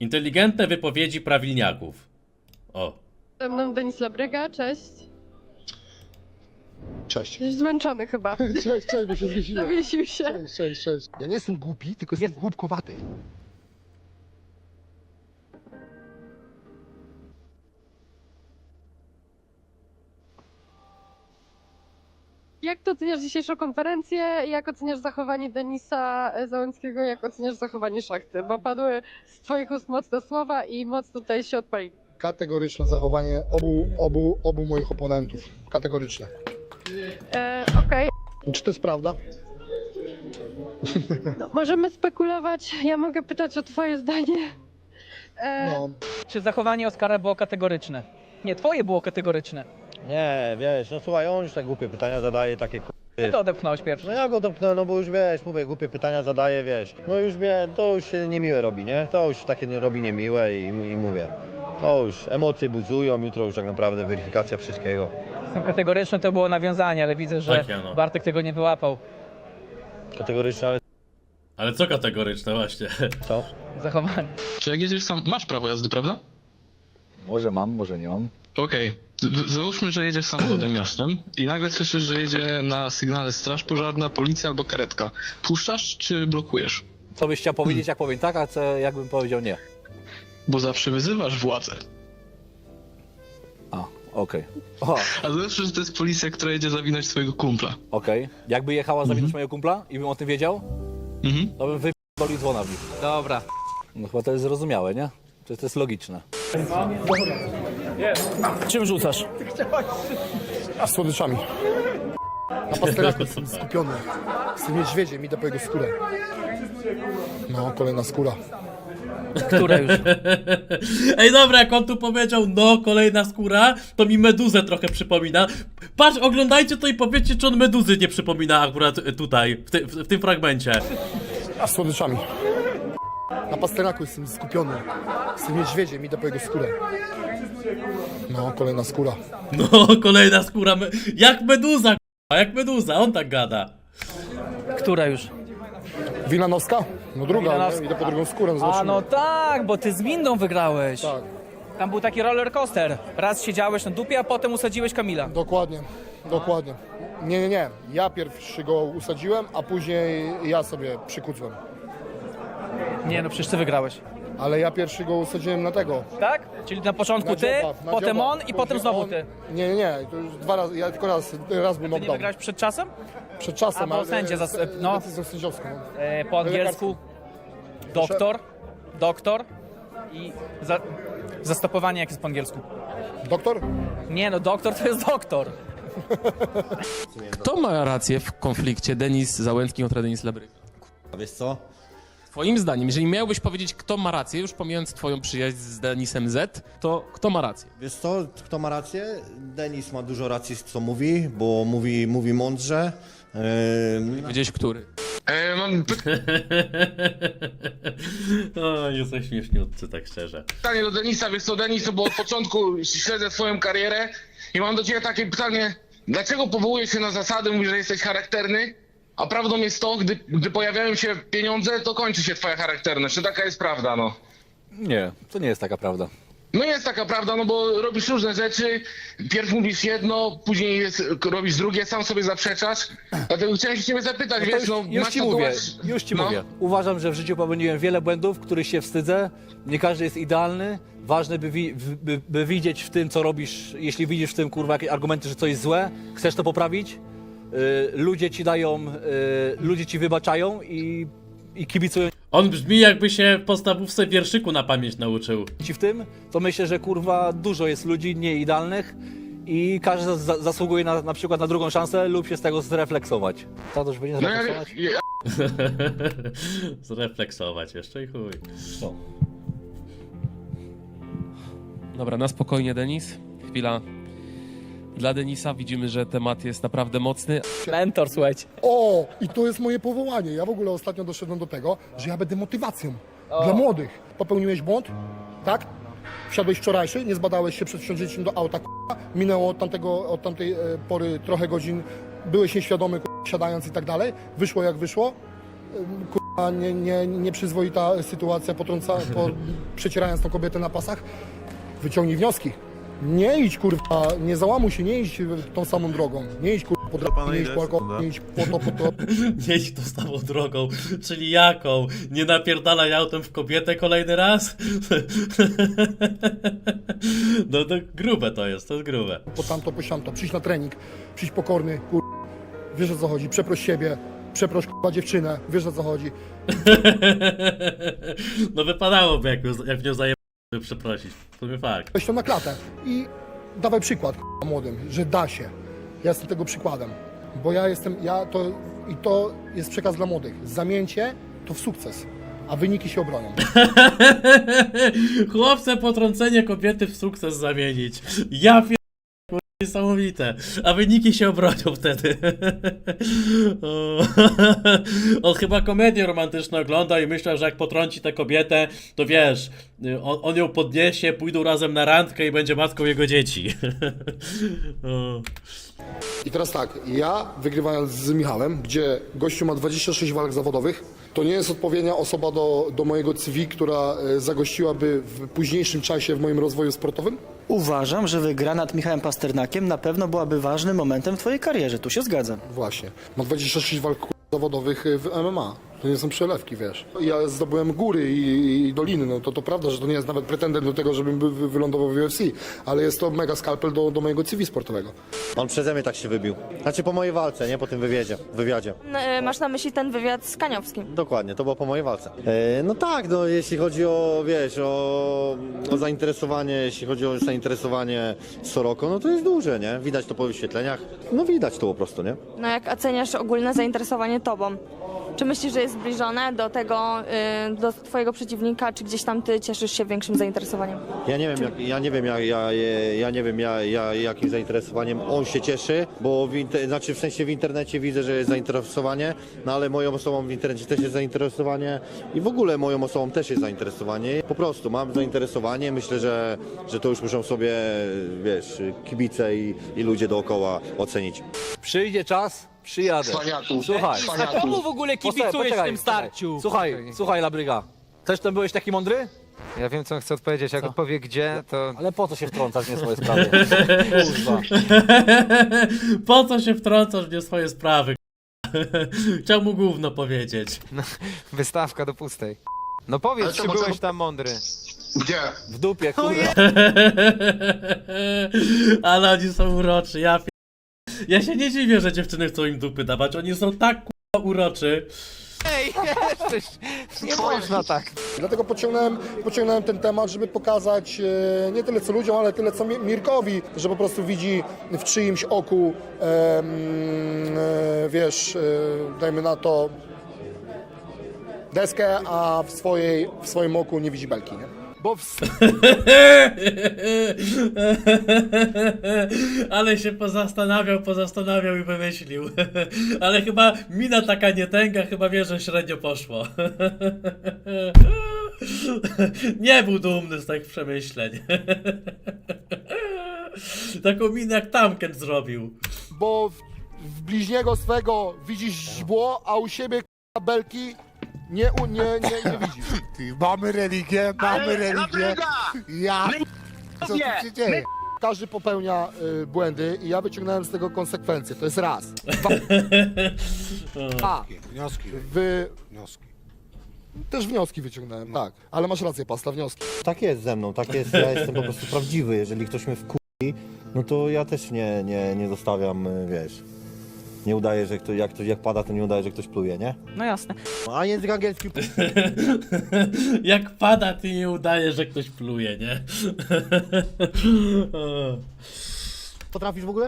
Inteligentne wypowiedzi prawilniaków. O. Ze mną Denis Labryga, cześć. Cześć. Jesteś zmęczony chyba. Cześć, bo się zwiesiłem. Zawiesił się. Cześć. Ja nie jestem głupi, tylko jestem głupkowaty. Jak to oceniasz dzisiejszą konferencję? Jak oceniasz zachowanie Denisa Załęckiego? Jak oceniasz zachowanie Szachty? Bo padły z twoich ust mocne słowa i mocno tutaj się odpali. Kategoryczne zachowanie obu moich oponentów. Kategoryczne. Okej. Czy to jest prawda? No, możemy spekulować. Ja mogę pytać o twoje zdanie. No. Czy zachowanie Oskara było kategoryczne? Nie, twoje było kategoryczne. Nie, wiesz, no słuchaj, on już tak głupie pytania zadaje, takie Ty to odepchnąłeś pierwszy. No ja go dopnę, no bo już wiesz, mówię, głupie pytania zadaje, wiesz. No już wie, to już się niemiłe robi, nie? To już takie nie robi niemiłe i mówię. No już emocje buzują, jutro już tak naprawdę weryfikacja wszystkiego. Kategoryczne to było nawiązanie, ale widzę, że Tak, ja no. Bartek tego nie wyłapał. Kategoryczne, ale Ale co kategoryczne właśnie? co? Zachowanie. Czy jak jedziesz sam, masz prawo jazdy, prawda? Może mam, może nie mam. Okej. Załóżmy, że jedziesz samochodem miastem i nagle słyszysz, że jedzie na sygnale straż pożarna, policja albo karetka. Puszczasz czy blokujesz? Co byś chciał powiedzieć, jak powiem tak, a co jakbym powiedział nie? Bo zawsze wyzywasz władzę. A, okej. O, A załóżmy, że to jest policja, która jedzie zawinąć swojego kumpla. okej. Jakby jechała zawinąć mojego kumpla i bym o tym wiedział, Mhm. to bym wypierdolił dzwona w nich. Dobra. No chyba to jest zrozumiałe, nie? To jest logiczne. Czym rzucasz? A słodyczami. Na pasteraku jestem skupiony. Z tym niedźwiedziem idę po jego skórę. No, kolejna skóra. Która już? Ej, dobra, jak on tu powiedział, no, kolejna skóra, to mi Meduzę trochę przypomina. Patrz, oglądajcie to i powiedzcie, czy on Meduzy nie przypomina akurat tutaj, w tym fragmencie. A słodyczami. Na pasteraku jestem skupiony. Z tym niedźwiedziem idę po jego skórę. No, kolejna skóra. No, kolejna skóra, jak Meduza, k***a, jak Meduza, on tak gada. Która już? Wilanowska? No druga, Wilanowska. nie? Idę po drugą skórę, A zobaczymy. no tak, bo ty z windą wygrałeś. Tak, Tam był taki roller coaster. Raz siedziałeś na dupie, a potem usadziłeś Kamila. dokładnie. Nie. Ja pierwszy go usadziłem, a później ja sobie przykucłem. Nie no, przecież ty wygrałeś. Ale ja pierwszy go usadziłem na tego. Tak? Czyli na początku Na ty, dzioba, na potem dzioba. on i Później potem znowu on. ty. Nie, to już dwa razy, ja tylko raz był Ty nie knockdown. wygrałeś przed czasem? Przed czasem, A, bo sędzia no. decyzją sędziowską. Po angielsku doktor i zastopowanie jak jest po angielsku. Doktor? Nie no, doktor to jest doktor. Kto ma rację w konflikcie Denis Załęcki kontra Denis Labryga? A wiesz co? Twoim zdaniem, jeżeli miałbyś powiedzieć, kto ma rację, już pomijając twoją przyjaźń z Denisem Z, to kto ma rację? Wiesz co, kto ma rację? Denis ma dużo racji, co mówi, bo mówi mądrze. Wiedziałeś, który? Mam O, jesteś śmieszniutcy, tak szczerze. pytanie do Denisa. Wiesz co, Denis, bo od początku śledzę twoją karierę i mam do ciebie takie pytanie. Dlaczego powołujesz się na zasady, mówisz, że jesteś charakterny, a prawdą jest to, gdy pojawiają się pieniądze, to kończy się twoja charakterność. Czy taka jest prawda, no? Nie, to nie jest taka prawda. No jest taka prawda, no bo robisz różne rzeczy, pierw mówisz jedno, później robisz drugie, sam sobie zaprzeczasz, dlatego chciałem się ciebie zapytać, No to wiesz, no już masz ci mówię, tatuaż- już ci no. mówię. Uważam, że w życiu popełniłem wiele błędów, których się wstydzę. Nie każdy jest idealny. Ważne, by widzieć w tym, co robisz, jeśli widzisz w tym, kurwa, jakieś argumenty, że coś jest złe, chcesz to poprawić, ludzie ci dają, ludzie ci wybaczają i kibicują On brzmi, jakby się w podstawówce wierszyku na pamięć nauczył. ci w tym, to myślę, że kurwa dużo jest ludzi nieidealnych i każdy zasługuje na przykład na drugą szansę lub się z tego zrefleksować. Co to już będzie No ja, zrefleksować? ja, Zrefleksować jeszcze i chuj. Co? Dobra, na spokojnie, Denis. Chwila. Dla Denisa widzimy, że temat jest naprawdę mocny. Mentor, słuchajcie. O, i to jest moje powołanie. Ja w ogóle ostatnio doszedłem do tego, że ja będę motywacją dla młodych. Popełniłeś błąd, tak? Wsiadłeś wczorajszy, nie zbadałeś się przed wsiądzeniem do auta, k***a. Minęło od tamtej pory trochę godzin, byłeś nieświadomy, k***a, siadając i tak dalej. Wyszło jak wyszło. k***a, nieprzyzwoita sytuacja, przecierając tą kobietę na pasach, wyciągnij wnioski. Nie idź, kurwa, nie załamuj się, nie idź tą samą drogą. Nie idź, kurwa, po drogę, nie idź po alkohol, nie idź po to. Nie idź tą samą drogą, czyli jaką? Nie napierdalaj autem w kobietę kolejny raz? No to grube to jest grube. Po tamto, po siamto, przyjdź na trening, przyjdź pokorny, kurwa, wiesz o co chodzi, przeproś siebie, przeproś, kurwa, dziewczynę, wiesz o co chodzi. No wypadałoby, jak w nią zajebać, przeprosić. To nie fakt. Weź to na klatę i dawaj przykład, kurwa, młodym, że da się. Ja jestem tego przykładem, bo to jest przekaz dla młodych. Zamieńcie to w sukces, a wyniki się obronią. Chłopce potrącenie kobiety w sukces zamienić. Ja pier... Niesamowite. A wyniki się obronią wtedy. O. On chyba komedię romantyczną ogląda i myślał, że jak potrąci tę kobietę, to wiesz, on ją podniesie, pójdą razem na randkę i będzie matką jego dzieci. O. I teraz tak, ja wygrywając z Michałem, gdzie gościu ma 26 walk zawodowych, to nie jest odpowiednia osoba do mojego CV, która zagościłaby w późniejszym czasie w moim rozwoju sportowym? Uważam, że wygra nad Michałem Pasternakiem na pewno byłaby ważnym momentem w twojej karierze, tu się zgadzam. Właśnie. Ma 26 walk zawodowych w MMA. To nie są przelewki, wiesz. Ja zdobyłem góry i doliny, no to prawda, że to nie jest nawet pretendent do tego, żebym wylądował w UFC, ale jest to mega skalpel do mojego CV sportowego. On przeze mnie tak się wybił. Znaczy po mojej walce, nie po tym wywiadzie. Masz na myśli ten wywiad z Kaniowskim? Dokładnie, to było po mojej walce. No tak, no jeśli chodzi o, wiesz, o zainteresowanie, jeśli chodzi o zainteresowanie Soroko, no to jest duże, nie? Widać to po wyświetleniach. No widać to po prostu, nie? No jak oceniasz ogólne zainteresowanie tobą? Czy myślisz, że jest zbliżone do tego, do twojego przeciwnika, czy gdzieś tam ty cieszysz się większym zainteresowaniem? Ja nie wiem jakim zainteresowaniem on się cieszy, bo w sensie w internecie widzę, że jest zainteresowanie, no ale moją osobą w internecie też jest zainteresowanie i w ogóle moją osobą też jest zainteresowanie. Po prostu mam zainteresowanie, myślę, że to już muszą sobie, wiesz, kibice i ludzie dookoła ocenić. Przyjdzie czas, przyjadę. Cwaniaku. Słuchaj. A komu w ogóle kibicujesz w tym starciu? Słuchaj, Labryga. Też tam byłeś taki mądry? Ja wiem, co on chce odpowiedzieć. Jak odpowie gdzie, to... Ale po co się wtrącasz w nie swoje sprawy? Kurwa. Po co się wtrącasz w nie swoje sprawy? Chciał mu gówno powiedzieć. Wystawka do pustej. No powiedz, Ale czy to byłeś może- tam mądry. Gdzie? W dupie, kurwa. Ale oni są uroczy, ja się nie dziwię, że dziewczyny chcą im dupy dawać, oni są tak kurwa uroczy. Ej, jesteś... Nie można tak. Dlatego pociągnąłem ten temat, żeby pokazać nie tyle co ludziom, ale tyle co Mirkowi, że po prostu widzi w czyimś oku, wiesz, dajmy na to deskę, a w swoim oku nie widzi belki, nie? Bo Ale się pozastanawiał i wymyślił. Ale chyba mina taka nie tęga, chyba wie, że średnio poszło. Nie był dumny z takich przemyśleń. Taką minę jak Tamken zrobił. bo w bliźniego swego widzisz źdźbło, a u siebie k***a, belki nie widzisz. Mamy religię. Ja co tu się dzieje? Każdy popełnia błędy i ja wyciągnąłem z tego konsekwencje. To jest raz. Dwa. Wnioski. Też wnioski wyciągnąłem, tak. Ale masz rację, Pasta, wnioski. Tak jest ze mną, tak jest, ja jestem po prostu prawdziwy. Jeżeli ktoś mnie wkurwi, no to ja też nie zostawiam, wiesz. Nie udaję, że ktoś, jak pada, to nie udaję, że ktoś pluje, nie? No jasne. A język angielski... Jak pada, ty nie udaje, że ktoś pluje, nie? Potrafisz w ogóle?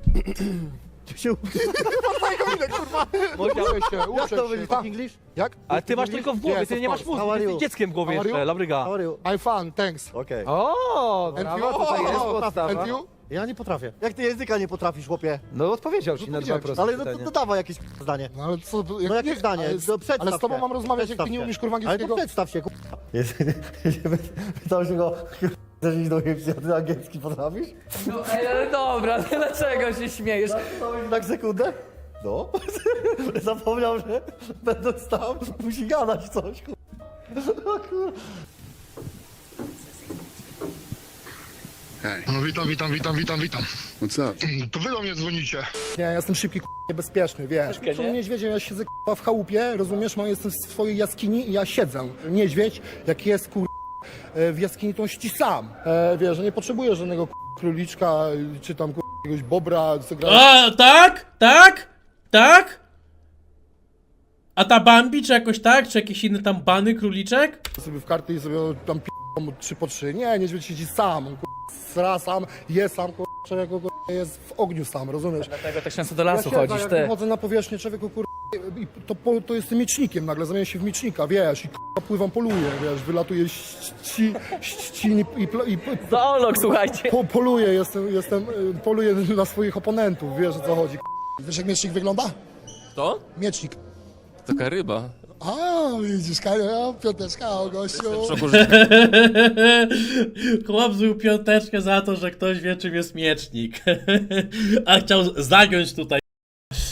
Jak to będzie tak English? Jak? Ale ty masz tylko w głowie, ty nie masz mózgu, ty jesteś dzieckiem w głowie How are jeszcze, you? Labryga. How are you? I'm fun, thanks. Okej. O, And brawo, you? tutaj jest podstawa. And you? Ja nie potrafię. Jak ty języka nie potrafisz, chłopie? No odpowiedział ci na dwa proste Ale no pytania. to dawaj jakieś zdanie. No ale co, No jakie zdanie? No, przedstaw ale z tobą się. mam rozmawiać, jak ty Przedstaw nie się. umiesz kurwa Ale to angielskiego. przedstaw się, Pytał się go, chcesz iść do UFC, a ty angielski potrafisz? No, ale dobra, dlaczego się śmiejesz? Tak sekundę? No, zapomniał, że będąc tam musi gadać coś, No witam. Co? To wy do mnie dzwonicie. Nie, ja jestem szybki, niebezpieczny, wiesz. Są niedźwiedzie, ja siedzę w chałupie, rozumiesz, jestem w swojej jaskini i ja siedzę. Niedźwiedź, jak jest w jaskini, to on ści sam. Wiesz, że nie potrzebuję żadnego króliczka, czy tam jakiegoś bobra, co gra. A, tak? Tak? Tak? A ta Bambi, czy jakoś tak? Czy jakieś inne tam bany, króliczek? Sobie w karty i sobie tam 3 po 3. Nie, niedźwiedź siedzi sam, on sra sam, je sam, człowieku jest w ogniu sam, rozumiesz? Dlatego tak często do lasu ja chodzisz, jak ty. wychodzę na powierzchnię, człowieku, i to jestem miecznikiem nagle, zamieniam się w miecznika, wiesz, i pływam, poluję, wiesz, wylatuję ścin i Zoolog, słuchajcie. poluję, poluję na swoich oponentów, wiesz, o co chodzi. Wiesz, jak miecznik wygląda? To? Miecznik. Taka ryba. A, widzisz, piąteczka, o gościu. Chłop zbił piąteczkę za to, że ktoś wie, czym jest miecznik. A chciał zagiąć tutaj